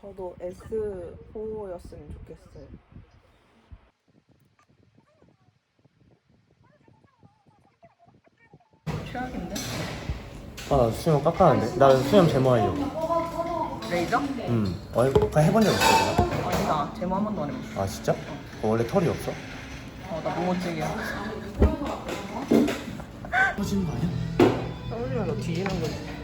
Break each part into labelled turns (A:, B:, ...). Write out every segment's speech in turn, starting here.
A: 저도 S4였으면 좋겠어요. 최악인데?
B: 아, 수염 깎아는데? 나 수염 제모하려고.
A: 레이저?
B: 그거 해본 적 있어, 내가?
A: 아니다. 제모 한 번도 안 해봤어.
B: 아, 진짜? 원래 털이 없어?
A: 나 무모증이야.
B: 터지는 거 아니야?
A: 떨어지면 너 뒤지는 거지.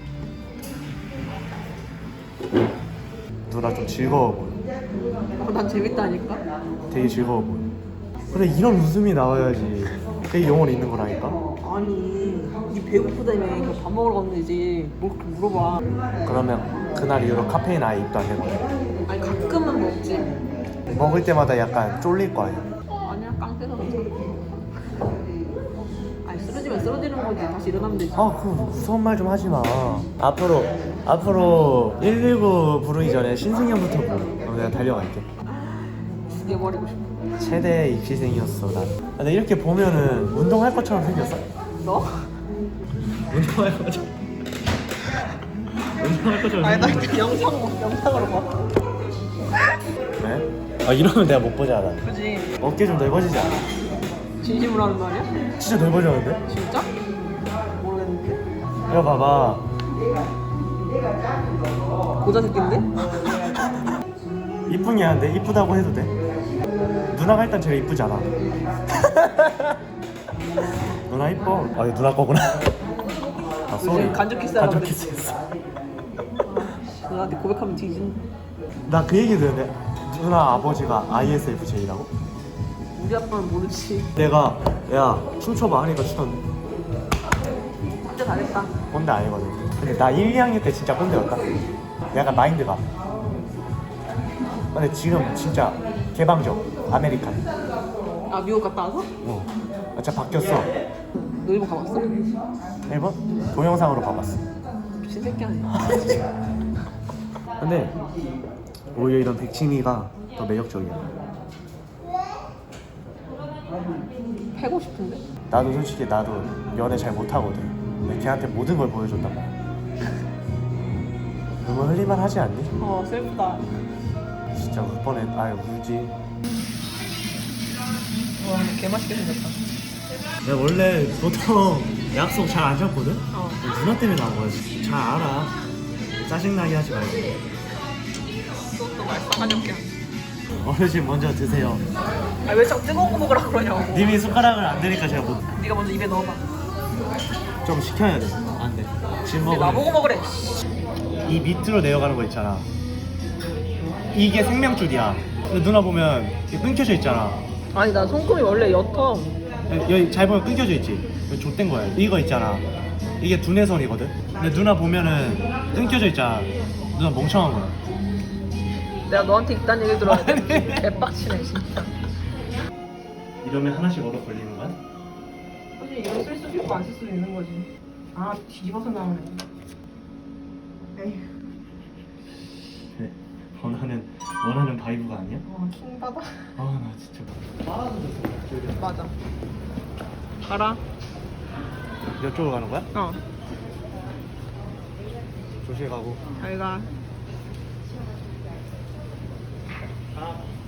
B: 누나 좀 즐거워 보여.
A: 난 재밌다니까?
B: 되게 즐거워 보여. 그래, 이런 웃음이 나와야지 그게 영혼 있는 거라니까?
A: 아니, 니 배고프다며. 이거 밥 먹으러 갔는지 뭘 그렇게 물어봐.
B: 그러면 그날 이후로 카페인 아예 입도 안 해거든.
A: 아니, 가끔은 먹지.
B: 먹을 때마다 약간 쫄릴 거 아니야?
A: 아니야, 깡패서 괜찮아. 아니, 쓰러지면 쓰러지는 거지. 다시 일어나면 되지.
B: 아, 그 무서운 말 좀 하지 마. 앞으로 119 부르기 전에 신승현부터 부르. 그럼 내가 달려갈게.
A: 죽여버리고 싶어.
B: 최대 입시생이었어, 난. 근데 이렇게 보면은 운동할 것처럼 생겼어.
A: 너?
B: 운동할 것처럼. 운동할 것처럼
A: 아니, 나
B: 생겼어.
A: 영상으로 봐.
B: 네? 아, 이러면 내가 못 보잖아.
A: 그지?
B: 어깨 좀 넓어지지 않아?
A: 진심으로 하는 말이야?
B: 진짜 넓어졌는데?
A: 진짜? 모르겠는데.
B: 이거 봐봐.
A: 고자 새끼인데?
B: 이쁜 게 한데 이쁘다고 해도 돼? 누나가 일단 제일 이쁘잖아. 누나 이뻐. 아, 이거 누나 거구나. 아, 쏘리.
A: 간접 키스하라고
B: 간접
A: 그랬지.
B: 키스했어.
A: 나한테 고백하면 뒤진.
B: 나 그 얘기 들었는데 누나 아버지가 ISFJ라고?
A: 우리 아빠는 모르지.
B: 내가 야 춤춰봐 하니까 추던데.
A: 진짜 잘했다.
B: 꼰대 아니거든. 근데 나 1, 2학년 때 진짜 꼰대였다. 약간 마인드가. 근데 지금 진짜 개방적. 아메리칸.
A: 아, 미국 갔다 와서?
B: 진짜 바뀌었어.
A: 너 일본 가봤어?
B: 일본? 동영상으로 봐봤어.
A: 미친 새끼 아니야.
B: 근데 오히려 이런 백치미가 더 매력적이야.
A: 패고 싶은데?
B: 나도 솔직히 나도 연애 잘 못하거든. 근데 걔한테 모든 걸 보여줬단 말이야. 너무 흘릴만 하지 않니?
A: 슬프다.
B: 진짜 울 뻔해. 아유, 울지.
A: 와, 근데 개맛있게 생겼다.
B: 내가 원래 보통 약속 잘 안 잡거든?
A: 어.
B: 누나 때문에 나온 거야. 잘 알아. 짜증나게 하지 말고.
A: 또 말싸가지 없게.
B: 어르신 먼저 드세요.
A: 아, 왜 자꾸 뜨거운 거 먹으라 그러냐고.
B: 님이 숟가락을 안 드니까 제가 못.
A: 네가 먼저 입에 넣어봐.
B: 좀 시켜야 돼. 안 돼. 지금
A: 근데 나보고
B: 먹으면
A: 먹으래.
B: 이 밑으로 내려가는 거 있잖아. 이게 생명줄이야. 근데 누나 보면 이게 끊겨져 있잖아.
A: 아니, 나 손금이 원래 옅어.
B: 여기 잘 보면 끊겨져 있지. 이거 좆된 거야. 이거 있잖아. 이게 두뇌선이거든. 근데 누나 보면은 끊겨져 있잖아. 누나 멍청한 거야.
A: 내가 너한테 이딴 얘기 들어야 돼. 개빡치네, 진짜.
B: 이러면 하나씩 얻어 걸리는 거야?
A: 사실 이걸 쓸 수도 있고 안 쓸 수도 있는 거지. 아, 뒤집어서 나오네. 에휴.
B: 그래. 원하는 바이브가 아니야?
A: 킹받아.
B: 아, 나 진짜.
A: 맞아. 가라.
B: 이쪽으로 가는 거야?
A: 조심히 가고.
B: 잘 가.
A: 아.